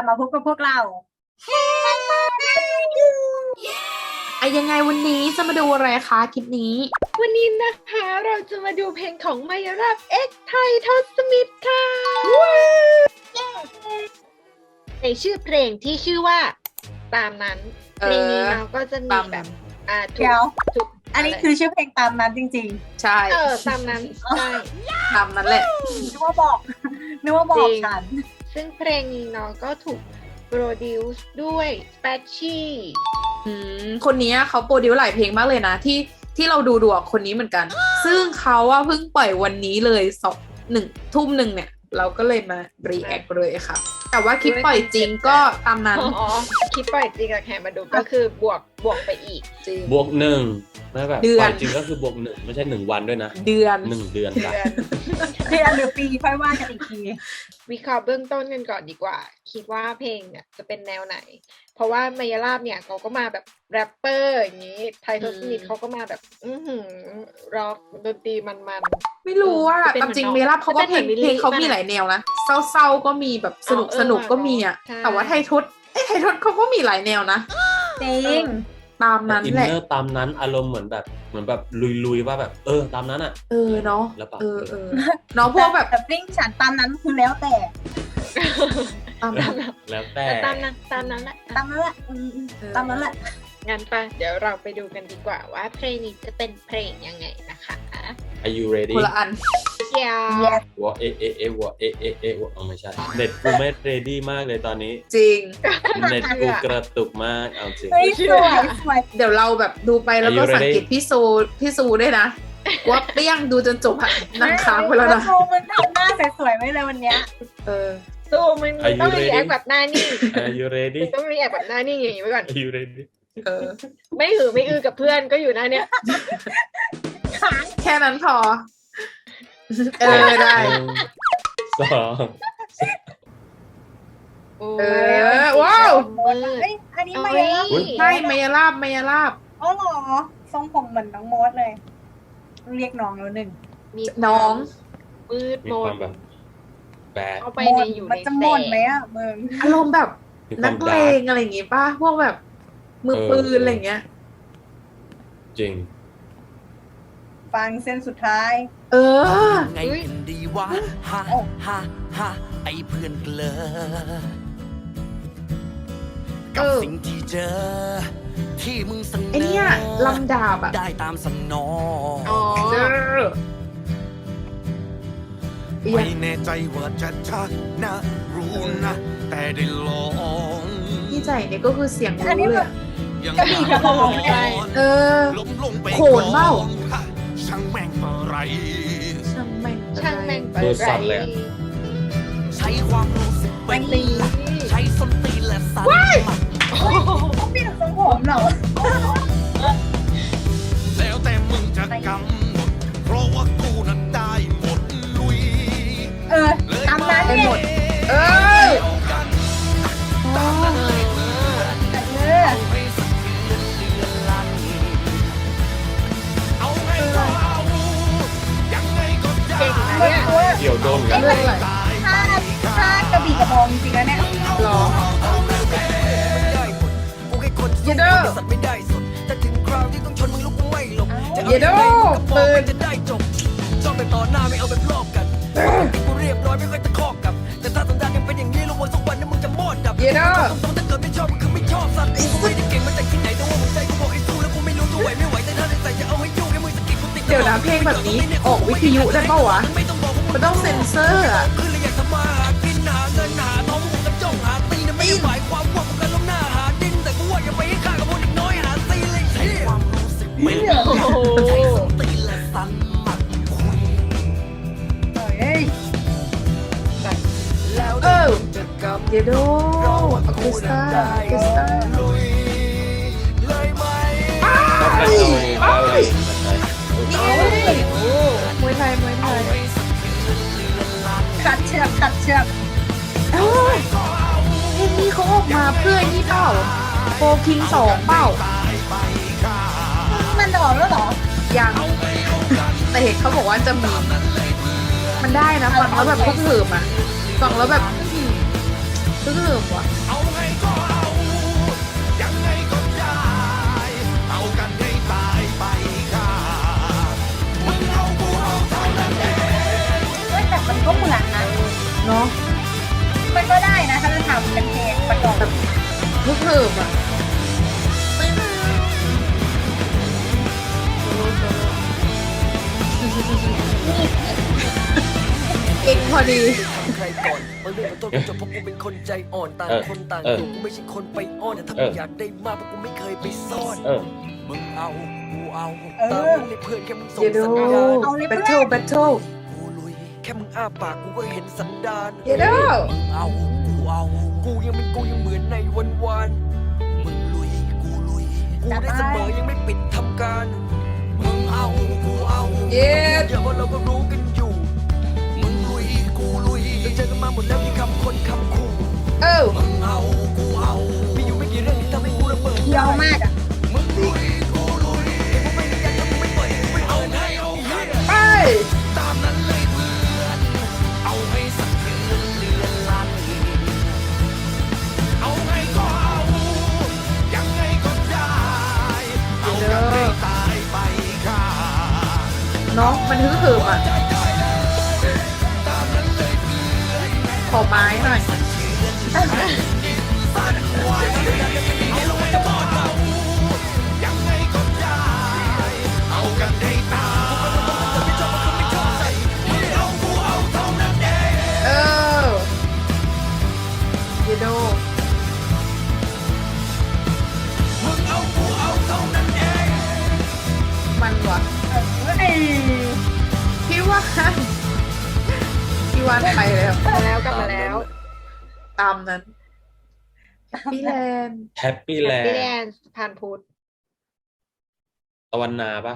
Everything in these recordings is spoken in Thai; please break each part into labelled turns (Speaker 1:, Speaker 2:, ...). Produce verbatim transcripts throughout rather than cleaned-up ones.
Speaker 1: บมาพบกับพวกเรา
Speaker 2: ไอ้ยังไงวันนี้จะมาดูอะไรคะคลิปนี้
Speaker 3: วันนี้นะคะเราจะมาดูเพลงของมายาลาบเอ็กไททอสมิธค่ะในชื่อเพลงที่ชื่อว่าตามนั้นเพลงนี้เราก็จะมีแบบอ่าถูกถูก
Speaker 1: อันนี้คือชื่อเพลงตามนั้นจริง
Speaker 2: ๆใช่
Speaker 3: เออตามนั้นใช่
Speaker 2: ตามนั้นแหละ
Speaker 1: นึกว่าบอกนึกว่าบอกฉัน
Speaker 3: ซึ่งเพลงนี้เนาะก็ถูกโปรดิวซ์ด้วยแปชชี่
Speaker 2: อืมคนนี้เขาโปรดิวซ์หลายเพลงมากเลยนะที่ที่เราดูดูคนนี้เหมือนกันซึ่งเขาว่าเพิ่งปล่อยวันนี้เลยสองหนึ่งทุ่มหนึ่งเนี่ยเราก็เลยมารีแอคเลยค่ะแต่ว่าคลิปปล่อยจริงก็ตามนั้น
Speaker 3: อ๋อคลิปปล่อยจริงกับแคมาดูก็คือบวกบวกไปอีก
Speaker 2: จริง
Speaker 4: บวกหนึ่งไม่แบบปล่อยจริงก็คือบวกหนึ่งไม่ใช่หนึ่งวันด้วยนะ
Speaker 2: เดือน
Speaker 4: หนึ่งเดือน
Speaker 3: เดือน
Speaker 1: เดือนหรือปีค่อยว่ากันอีกที
Speaker 3: วิเคราะห์เบื้องต้นกันก่อนดีกว่าคิดว่าเพลงเนี่ยจะเป็นแนวไหนเพราะว่ามายาลาบเนี่ยเขาก็มาแบบแรปเปอร์อย่างนี้ไททอสมิธเขาก็มาแบบอื้อหือร็อกดนตรีมัน
Speaker 2: ๆไม่รู้ว่าตามจริงมายาลาบเขาก็เพลงเพลงเขามีหลายแนวนะเศร้าๆก็มีแบบสนุกสนุกก็มีอ่ะแต่ว่าไททอสไอ้ไททอสเขาก็มีหลายแนวนะ
Speaker 1: จริง
Speaker 2: ตามนั้นแหละ
Speaker 4: อินเนอร์ตามนั้นอารมณ์เหมือนแบบเหมือนแบบลุยๆว่าแบบเออตามนั้นอ่ะ
Speaker 2: เออเนาะ
Speaker 4: แล้ว
Speaker 2: เออเออน้องพวกแบบ
Speaker 1: แต่ปิ้งฉันตามนั้นคือแล้วแต่
Speaker 2: ตามนั้น
Speaker 4: แล้วแต่
Speaker 3: ตามนั้นตามนั้นแหละ
Speaker 1: ตามนั้นแหละตามนั้นแหละ
Speaker 3: งั้นปะเดี๋ยวเราไปดูกันดีกว่าว่าเพลงนี้จะเป็นเพลงยังไงนะคะ
Speaker 4: Are you ready
Speaker 2: คนละอัน
Speaker 3: เดี๋ยว
Speaker 4: วอเอเอเอวอเอเอเอวอไม่ใช่เน็ตกูไม่ ready มากเลยตอนนี้
Speaker 2: จริง
Speaker 4: เน็ตกูกระตุกมากเอาจริง
Speaker 1: สวยสวย
Speaker 2: เดี๋ยวเราแบบดูไปแล้วก็สังเกตพี่ซูพี่ซูด้วยนะว่าเปี้ยงดูจนจบอะนั่งค้างไปแล้วนะ
Speaker 1: ซูมันทำหน้าสวยๆไว้เลยวันเนี้ย
Speaker 2: เออ
Speaker 3: ซูมันต้องรีแอคแบบหน้านิ่ง
Speaker 4: Are you ready
Speaker 3: ต้องรีแอคแบบหน้านิ่งอย่างนี้ไว้ก่อน
Speaker 4: Are you ready
Speaker 2: เออ
Speaker 3: ไม่หือไม่อือกับเพื่อนก็อยู่หน้าเนี้ย
Speaker 2: แค่นั้นพอเออได้
Speaker 4: สอง
Speaker 2: เออว้าว
Speaker 1: อันนี้มายาลาบ
Speaker 2: ใช่มายาลาบมายาลาบ
Speaker 1: อ๋อเหรอทรงผมเหมือนน้องโมดเลยเรียกน้องแล้วหนึ่ง
Speaker 2: น้อง
Speaker 3: มืดมน
Speaker 4: แบบแบด
Speaker 3: เอาไปในอยู่ใน
Speaker 1: มันจะหมดไหมอ่ะมึง
Speaker 2: อารมณ์แบบนักเลงอะไรอย่างงี้ป่ะพวกแบบมือปืนอะไรเงี้ย
Speaker 4: จริง
Speaker 1: ฟังเส้นสุดท้าย
Speaker 2: เออ
Speaker 5: ไงกันดีวะฮะฮะฮะไอเพื่อนเกลอกับสิ่งที่เจอที่มึงเสนอไอ
Speaker 2: เนี่ยลำดาบอะ
Speaker 5: ได้ตามสนอง
Speaker 2: อ๋อ
Speaker 5: ไม่แน่ใจว่าจะชัดนะรู้นะแต่ได้ลอง
Speaker 2: ที่ใจเนี่ยก็คือเสียงรู้เลย
Speaker 1: กระบี่กระบอง
Speaker 2: เออโขนเบ้า
Speaker 5: ช่างแม่งอะไร
Speaker 2: ช่างแม่ง
Speaker 3: ช่างแม่ง
Speaker 4: อะไร
Speaker 5: ใช้ความรู้สึกเป็นหลักใช้ส้นตีนและสัน
Speaker 1: มันเขาเปลี่ยนทรงผมเหรอ
Speaker 5: แล้วแต่มึงจะกำหนดเพราะว่ากูนั้นได้หมดลุย
Speaker 1: เออตามนั้น
Speaker 2: ได้หมดเออ
Speaker 5: ตามนั้นเลย
Speaker 1: เออ
Speaker 4: เกี่ยวโดนกัน
Speaker 1: เลยถ้าถ้ากระบี่กระบองจริงๆแล้วเนี่ย
Speaker 2: หรอเยโดเยโดเปิด
Speaker 5: จะได้จบชอบแบบต่อหน้าไม่เอาแบบรอบกันกูเรียบร้อยไม่ค่อยตะคอกกับแต่ถ้าสันดานยังเป็นอย่างนี้ระวังสักวันนึงมึงจะมอดดับ
Speaker 2: เยโด
Speaker 5: ตรงๆถ้าเกิดไม่ชอบมึงคือไม่ชอบสัตว์กูไม่ได้เก่งมาจากที่ไหนแต่ว่าหัวใจกูบอกให้สู้แล้วกูไม่รู้จะไหวไม่ไหวแต่ถ้าได้ใส่จะเอาให้ยุ่งให้มึงสะกิดกูติด
Speaker 2: เดี๋ยวนะเพลงแบบนี้ออกวิทยุได้ป่าวะมันต้องเซ็นเซอร์อะ
Speaker 5: คือเราอยากทำมาหากินหาเงินหาทองมึงกันจ้องหาตีนะไม่ได้หมายความว่ามึงกันล้มหน้าหาดินแต่กูว่าอย่าไปให้ข้ากับพวกเด็กน้อยหาตีเลยใช้ความรู้สึกไม่ใช้สติและสันมัดคุย
Speaker 1: เฮ้ย
Speaker 5: แล้ว
Speaker 2: เออเยโดอะคูสตาอะคูสตา
Speaker 5: เลยไหม
Speaker 2: ไปไปนี่มวยไทยมวยไทย
Speaker 1: ขัดเชือกขัดเชือก
Speaker 2: เอ้ยเพลงนี้เขาออกมาเพื่อนี่เปล่าโฟคิงสองเปล่า
Speaker 1: มันออกแล้วเหรอ
Speaker 2: ยังแต่เห็นเขาบอกว่าจะมีมันได้นะฟังแล้วแบบพวกเหิมอ่ะฟังแล้วแบบฮึ่งเหิมว่ะ
Speaker 5: เอาไงก็เอายังไงก็ได้เอากันให้ตายไปค่ะมึงเอากูเอาเท่านั้นเอง
Speaker 1: เฮ้ยแต่มันก็เหมือนนะ
Speaker 2: เนาะ
Speaker 1: มันก็ได้นะถ้าจะทำเป็นเพลงประกอบแบบ
Speaker 2: ฮึ่งเหิมอ่ะไม่มาเก่งพอดี
Speaker 6: ใครก่อนมาเรื่องของต้นจบเพราะกูเป็นคนใจอ่อนต่างคนต่างอยู่กูไม่ใช่คนไปอ้อนแต่ถ้ามึงอยากได้มากเพราะกูไม่เคยไปซ่อน
Speaker 4: เออ
Speaker 6: มึงเอากูเอา
Speaker 1: เอ
Speaker 6: ตาม
Speaker 1: อ
Speaker 6: มึงในเพื่อนแค่มึงส่ง
Speaker 2: เยโด
Speaker 6: สัญญาณ
Speaker 1: เอาเลย
Speaker 2: แบ
Speaker 1: เพื่
Speaker 2: ท
Speaker 1: อน
Speaker 2: เทิลแบทเทิล
Speaker 6: กูลุยแค่มึงอ้าปากกูก็เห็นสันดาน
Speaker 2: เยโด
Speaker 6: มึงเอากูเอากูยังเป็นกูยังเหมือนในวันวานมึงลุยกูลุยกูได้เสมอยังไม่ปิดทำการมึงเอากูเอา
Speaker 2: เย้
Speaker 6: เยอะเพราะเราก็รู้กันอยู่มึงลุยกูลุยเราเจอกันมาหมดแล้วมีคำคนคำขู่
Speaker 2: เออ
Speaker 6: มึงเอากูเอามีอยู่ไม่กี่เรื่องที่ทำให้กูระเบิด
Speaker 1: เคี้ยวมากอ่ะ
Speaker 6: มึงลุยกูลุยกูไม่ได้อยากจะมึงไม่ปล่อยกูไม่เอาไงเอาไง
Speaker 2: ไป
Speaker 5: ตามนั้นเลยเพื่อนเอาให้สักเดือนเลือนลันเอาไงก็เอายังไงก็ได้เอากันให้ตายไปค่ะ
Speaker 2: น้องมันฮึ่งเหิมอ่ะ ขอไม้หน่อย
Speaker 5: ยังไงก็ได้เอากันให้ตายไม่ชอบมันไม่ชอบใส่มึงเอากูเอาเท่านั้นเอง
Speaker 2: เออเยโด
Speaker 5: มึงเอากูเอาเท่านั้นเอง
Speaker 2: มันว่ะ
Speaker 1: เฮ้ย
Speaker 2: พี่ว่าพี่วานไปแล้ว
Speaker 3: กลับมาแล้วกลับมาแล้ว
Speaker 2: ตามนั้นพี่แลนด์
Speaker 4: แฮปปี้แลน
Speaker 3: พี่
Speaker 4: ด์
Speaker 3: แดนผ่านพุทธ
Speaker 4: ตะวันนาปะ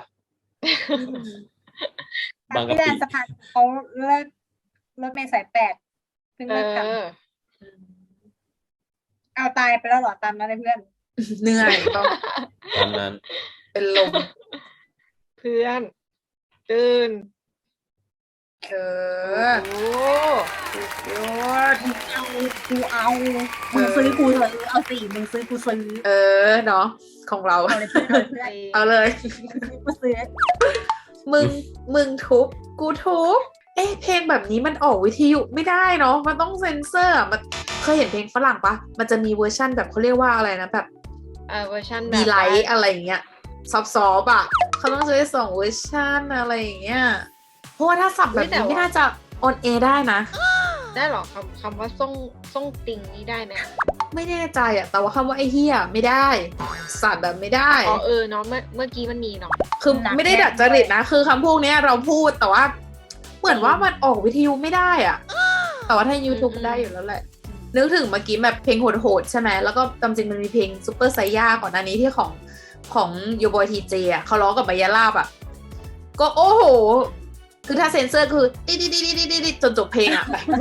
Speaker 4: บางกะ
Speaker 1: พี่แด
Speaker 4: ปิ
Speaker 1: นสะพานเขาเลิกรถเมล์สายแปดเพิ่ง
Speaker 3: เอ
Speaker 1: เลิกท
Speaker 3: อ
Speaker 1: ำเอาตายไปแล้วเหรอตามนั้นเลยเพื่อน
Speaker 2: เหนื่อยต้อง
Speaker 4: ตอนนั้น
Speaker 2: เป็นลม
Speaker 3: เพื่อน ตื่น
Speaker 2: เอ
Speaker 3: โอ้
Speaker 2: อ
Speaker 3: โห
Speaker 2: ยอด
Speaker 1: เอากูเอามึงซื้อกูซื้อเอาสี่มึงซื้อกูซื้อ
Speaker 2: เออเนาะของเรา
Speaker 1: เอาเลยเพื่อนเอาเพื่อน
Speaker 2: เอาเลย
Speaker 1: กูซื้อ
Speaker 2: มึงมึงทุบกูทุบเอ๊ะเพลงแบบนี้มันออกวิทยุไม่ได้เนาะมันต้องเซ็นเซอร์อะมันเคยเห็นเพลงฝรั่งปะมันจะมีเวอร์ชั่นแบบเขาเรียกว่าอะไรนะแบบ
Speaker 3: เออเวอร์ชันแบบ
Speaker 2: ดีไลท์
Speaker 3: ว่า
Speaker 2: อะไรอย่างเงี้ยซอฟต์ๆอ่ะเขาต้องใช้สองเวอร์ชันอะไรอย่างเงี้ยเพราะว่าถ้าสับแบบนี้ไม่น่าจะออนแอร์ได้นะ
Speaker 3: ได้เหรอคำคำว่าส่งส่งติงนี้ได้ไหม
Speaker 2: ไม่แน่ใจอ่ะแต่ว่าคำว่าไอ้เฮียไม่ได้สัตว์แบบไม่ได้
Speaker 3: อ๋อเออเนาะเมื่อเมื่อกี้มันมีเนาะ
Speaker 2: คือไม่ได้ดัดจริตนะคือคำพวกเนี้ยเราพูดแต่ว่า เหมือนว่ามันออกวิทยุไม่ได้อ่ะ แต่ว่าถ้า YouTube มันได้อยู่แล้วแหละ นึกถึงเมื่อกี้แบบเพลงโหดๆใช่ไหมแล้วก็จำจริงมันมีเพลงซูเปอร์ไซย่าก่อนหน้านี้ที่ของของยูบอยทีเจอ่ะเขาร้องกับมายาลาบอ่ะ ก็โอ้โห คือถ้าเซ็นเซอร์คือดิดิดิดิดิดิจนจบเพลงอ่ะแบบไม่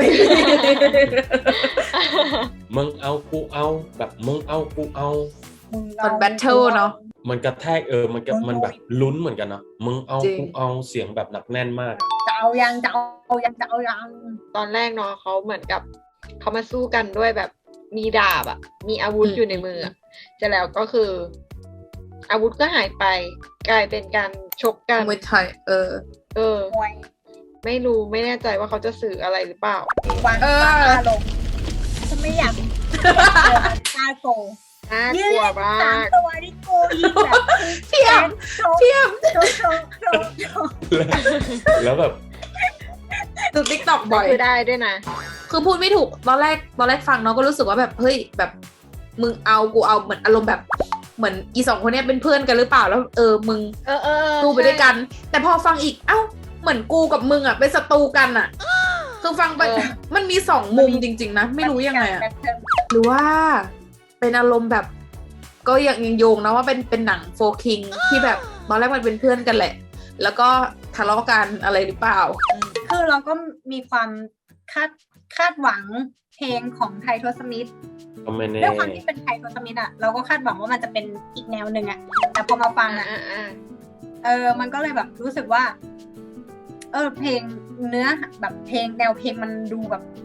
Speaker 4: มึงเอากูเอาแบบมึงเอากูเอา
Speaker 1: มึง
Speaker 2: ต
Speaker 1: เอา
Speaker 2: อนแบทเทิลเนาะ
Speaker 4: มันกระแทกเออมันก็มันแบบลุ้นเหมือนกันเนาะมึงเอา
Speaker 2: จริง
Speaker 4: กูเอาเสียงแบบหนักแน่นมาก
Speaker 1: จะเอายังจะเอายังจะเอายัง
Speaker 3: ตอนแรกเนาะเขาเหมือนกับเขามาสู้กันด้วยแบบมีดาบอะมีอาวุธอยู่ในมืออะจะแล้วก็คือ อาวุธก็หายไป กลายเป็นการชกกัน
Speaker 2: มวยไทยเออ
Speaker 3: เออ
Speaker 1: มวย
Speaker 3: ไม่รู้ไม่แน่ใจว่าเขาจะสื่ออะไรหรือเปล่า
Speaker 1: วาง
Speaker 2: เออ
Speaker 1: วางอารมณ์ฉันไม่อยากตาโก
Speaker 3: น่า
Speaker 1: ยื
Speaker 3: ก
Speaker 1: น
Speaker 3: ลัว
Speaker 1: เล่น
Speaker 3: มา
Speaker 1: สาม
Speaker 3: ก
Speaker 1: ตัวที่โกยิงแบบ
Speaker 2: เทียม
Speaker 1: โชว์
Speaker 2: เทียม
Speaker 1: โชว์โชว์โชว์โชว์
Speaker 4: แล้วแบบ
Speaker 2: ดูติ๊กต็อกบ่อย
Speaker 3: คือได้ด้วยนะ
Speaker 2: คือพูดไม่ถูกตอนแรกตอนแรกฟังเนาะก็รู้สึกว่าแบบเฮ้ยแบบมึงเอากูเอาเหมือนอารมณ์แบบเหมือนอีสองคนเนี้ยเป็นเพื่อนกันหรือเปล่าแล้วเออมึง
Speaker 3: เออเออเออ
Speaker 2: กูไปด้วยกัน แต่พอฟังอีกเอ้าเหมือนกูกับมึงอ่ะเป็นศัตรูกันอ่ะ คือฟังไปมันมีสองมุมจริงๆนะไม่รู้ยังไงอ่ะ
Speaker 1: แบทเทิล
Speaker 2: หรือว่าเป็นอารมณ์แบบ ก็ยังยังโยงนะว่าเป็นเป็นหนังโฟคิงที่แบบตอนแรกมันเป็นเพื่อนกันแหละ แล้วก็ทะเลาะกันอะไรหรือเปล่า
Speaker 1: คือเราก็มีความคาดคาดหวังเพลงของไททอสมิธ
Speaker 4: ก็ไม่แน่
Speaker 1: ด้วยความที่เป็นไททอสมิธอ่ะเราก็คาดหวังว่ามันจะเป็นอีกแนวหนึ่งอ่ะแต่พอมาฟัง
Speaker 3: อ่า
Speaker 1: อ่ะ
Speaker 3: อ่าอ่า
Speaker 1: เออมันก็เลยแบบรู้สึกว่า เออเพลงเนื้อแบบเพลงแนวเพลงมันดูแบบ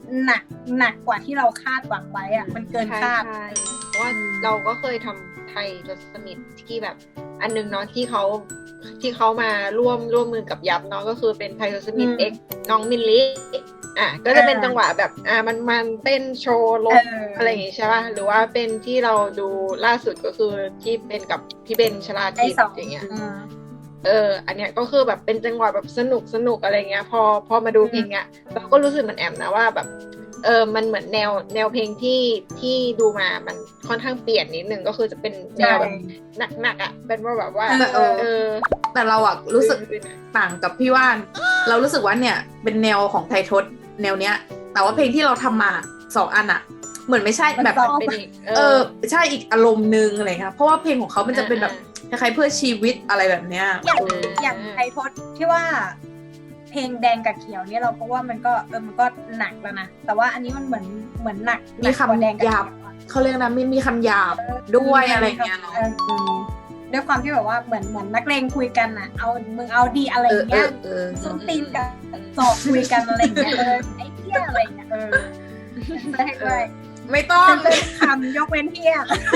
Speaker 1: หนักหนักกว่าที่เราคาดหวังไว้อะมันเกิน
Speaker 3: ใช่
Speaker 1: คาด
Speaker 3: ใช่เพราะว่าเราก็เคยทำไทยทศมิตรที่แบบอันนึงเนาะที่เขาที่เขามาร่วมร่วมมือกับยับเนาะก็คือเป็นไทยทศมิตร
Speaker 1: อืม
Speaker 3: เอ็กน้องมิลลิอ่ะก็จะเป็น
Speaker 1: อ่า
Speaker 3: จังหวะแบบอ่ามันมันเต้นโชว์รถ
Speaker 1: เอออ
Speaker 3: อะไรอย่างงี้ใช่ป่ะหรือว่าเป็นที่เราดูล่าสุดก็คือที่เป็นกับพี่เบนชลา
Speaker 1: ได้
Speaker 3: ทิศ
Speaker 1: สอง
Speaker 3: อย่างเงี้ย
Speaker 1: อืม
Speaker 3: เออ อันเนี้ยก็คือแบบเป็นจังหวะแบบสนุกสนุกอะไรเงี้ย พอพอมาดูเพลงเนี้ยเราก็รู้สึกเหมือนแอมนะว่าแบบ เออ มันเหมือนแนวแนวเพลงที่ที่ดูมา มันค่อนข้างเปลี่ยนนิดนึงก็คือจะเป็นแนวแบบหนักๆอ่ะ เป็นว่าแบบว่า
Speaker 2: เออ
Speaker 3: เออ
Speaker 2: แต่เราอะรู้สึก
Speaker 3: อื่นๆอะ
Speaker 2: ต่างกับพี่ว่าน เรารู้สึกว่าเนี่ยเป็นแนวของไทยทศแนวเนี้ย แต่ว่าเพลงที่เราทำมาสองอันอะเหมือนไม่ใช่
Speaker 1: มัน
Speaker 2: แบบ
Speaker 1: ซอฟต์
Speaker 3: เป็นอีก
Speaker 2: เออใช่อีกอารมณ์นึงอะไรครับเพราะว่าเพลงของเขามันจะเป็นแบบคล้ายๆเพื่อชีวิตอะไรแบบเนี้ย
Speaker 1: อย่าง
Speaker 2: เออ
Speaker 1: อย่างไทยทศที่ว่า เพลงแดงกับเขียวเนี่ยเราก็ว่ามันก็เออมันก็หนักแล้วนะแต่ว่าอันนี้มันเหมือนเหมือนหนัก
Speaker 2: มี
Speaker 1: หนักกว่าแดง
Speaker 2: คำ
Speaker 1: กับ
Speaker 2: หยาบ
Speaker 1: เขียวอะ
Speaker 2: เขาเรียกนะมีมีคำหยาบด้วยอะไรเงี้ยเนาะ
Speaker 1: อออืมด้วยความที่แบบว่าเหมือนเหมือนนักเลงคุยกันน่ะ เอามึงเอาดีอะไร
Speaker 2: เอ
Speaker 1: อ
Speaker 2: อย่าง เอ
Speaker 1: เงี้
Speaker 2: อย เออ
Speaker 1: ส้นตีนกับสอบคุยกันอะไรอย่างเงี้ยเออไอ้เหี้ยอะไรอย่างเงี้ยเออเซนเซอร์ให้ด้วย
Speaker 2: ไม่ต้อง
Speaker 1: เซนเซอร์คำยกเว้นเหี้ย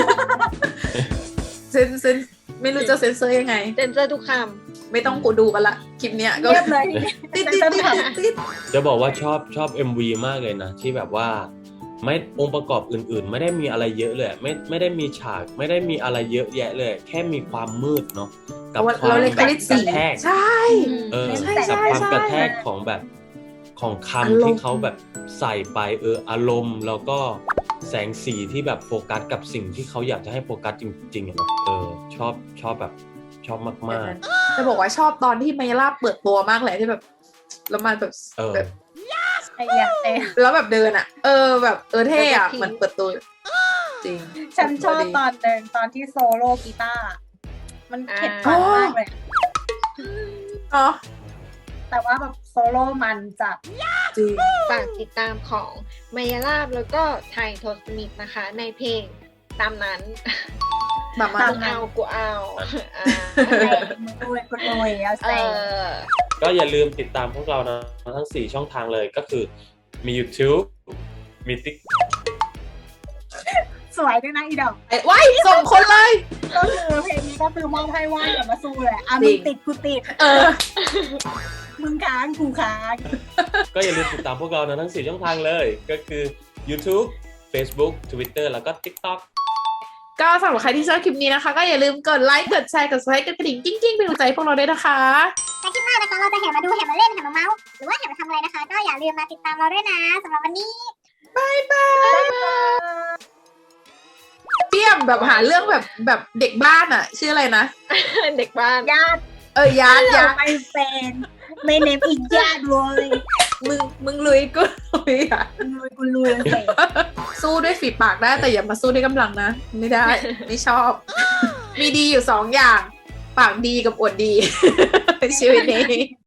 Speaker 2: เซนเซนไม่รู้จะเซนเซอร์ยังไง
Speaker 3: เซนเซอร์ทุกค
Speaker 2: ไม่ต้องกูดูกันละคลิปเนี้ยก็
Speaker 1: เรียบเลยทีนี้
Speaker 2: ติด
Speaker 1: เซน
Speaker 2: ติด
Speaker 1: เซอร์
Speaker 2: ติด
Speaker 1: คำ
Speaker 2: ติด
Speaker 4: จะบอกว่าชอบชอบ เอ็ม วี มากเลยนะ ที่แบบว่าไม่องค์ประกอบอื่นๆ ไม่ได้มีอะไรเยอะเลยไม่ไม่ได้มีฉากไม่ได้มีอะไรเยอะแยะเลย แค่มีความมืดเนาะกั
Speaker 2: เรา
Speaker 4: ความ
Speaker 2: เราเล่น
Speaker 4: แบ
Speaker 2: ค
Speaker 4: บ
Speaker 2: ลิป
Speaker 4: ก
Speaker 2: สี
Speaker 4: ระแทก
Speaker 2: ใช่
Speaker 4: เออ
Speaker 2: ใช่
Speaker 4: กับ
Speaker 2: ใช่
Speaker 4: ความ
Speaker 2: ใช่
Speaker 4: กระแทกของแบบของ
Speaker 2: อาร
Speaker 4: คำ
Speaker 2: มณ์
Speaker 4: ที่เขาแบบใส่ไปเอออารมณ์ แล้วก็แสงสีที่แบบโฟกัสกับสิ่งที่เขาอยากจะให้โฟกัสจริงๆอะเนาะเออชอบชอบแบบชอบมาก
Speaker 2: จะบอกว่าชอบตอนที่ไมล่าเปิดตัวมากเลยที่แบบแล้วมันแบบ
Speaker 4: เออ
Speaker 2: แบบ
Speaker 1: ไอ้เหี้ยไอ้
Speaker 2: แล้วแบบเดินอ่ะ เออแบบเออเท่อะเหมือนเปิดตัวจริง
Speaker 1: ฉันชอบตอนเดินตอนที่โซโล่กีตาร์มันเข็ดฟันมากเลย
Speaker 2: เนาะ
Speaker 1: แต่ว่าแบบโซโล่มันจัด
Speaker 2: จริง
Speaker 3: ำฝากติดตามของมายาลาบแล้วก็ไทยทศมิตรนะคะ ในเพลงตามนั้น
Speaker 2: แบบมา
Speaker 1: ตาม
Speaker 3: มึงเอากูเอาอ่า
Speaker 1: แต่มึงรวยกูรวยเอา
Speaker 3: เอ
Speaker 1: ใส่
Speaker 3: อ
Speaker 4: ๆ ก็อย่าลืมติดตามพวกเรานะทั้งสี่ช่องทางเลยก็คือมี YouTube มี Tik
Speaker 1: สวยด้วยนะอีดอก
Speaker 2: ไอ้ว้ายส่งคนเลย
Speaker 1: ก็คือเพลงนี้ก็คือมอบให้ว่านกับมาสู้แหละอ่ะ
Speaker 2: จริ
Speaker 1: มึ
Speaker 2: ง
Speaker 1: งติดกูติด
Speaker 2: เออ
Speaker 1: มึงค้างกูค้าง
Speaker 4: ก็อย่าลืมติดตามพวกเรานะทั้งสี่ช่องทางเลย ก็คือ YouTube Facebook Twitter แล้วก็ TikTok
Speaker 2: ก็สำหรับใครที่ชอบคลิปนี้นะคะ ก็อย่าลืมกดไลค์กดแชร์กด subscribe กดกระดิ่งกิ้งๆเป็นกำลังใจให้พวกเราด้วยนะคะ
Speaker 7: และคลิปหน้านะคะเราจะแห่มาดูแห่มาเล่นแห่มาเมาส์หรือว่าแห่มาทำอะไรนะคะ ก็อย่าลืมมาติดตามเราด้วยนะสำหรับวันนี้
Speaker 2: เปี้ยมแบบหาเรื่องแบบแบบเด็กบ้านอ่ะ ชื่ออะไรนะ
Speaker 3: เด็กบ้าน
Speaker 1: ญาติ
Speaker 2: เออยาดยาด
Speaker 1: ไม่เป็นไม่เนมอีญาติเลย
Speaker 2: มึงมึงลุยกูลุยอ่ะ
Speaker 1: กูรวยกูรวยเลย
Speaker 2: สู้ด้วยฝีปากได้แต่อย่ามาสู้ด้วยกำลังนะ ไม่ได้ ไม่ชอบ มีดีอยู่สองอย่าง ปากดีกับอวดดี ชีวิตนี้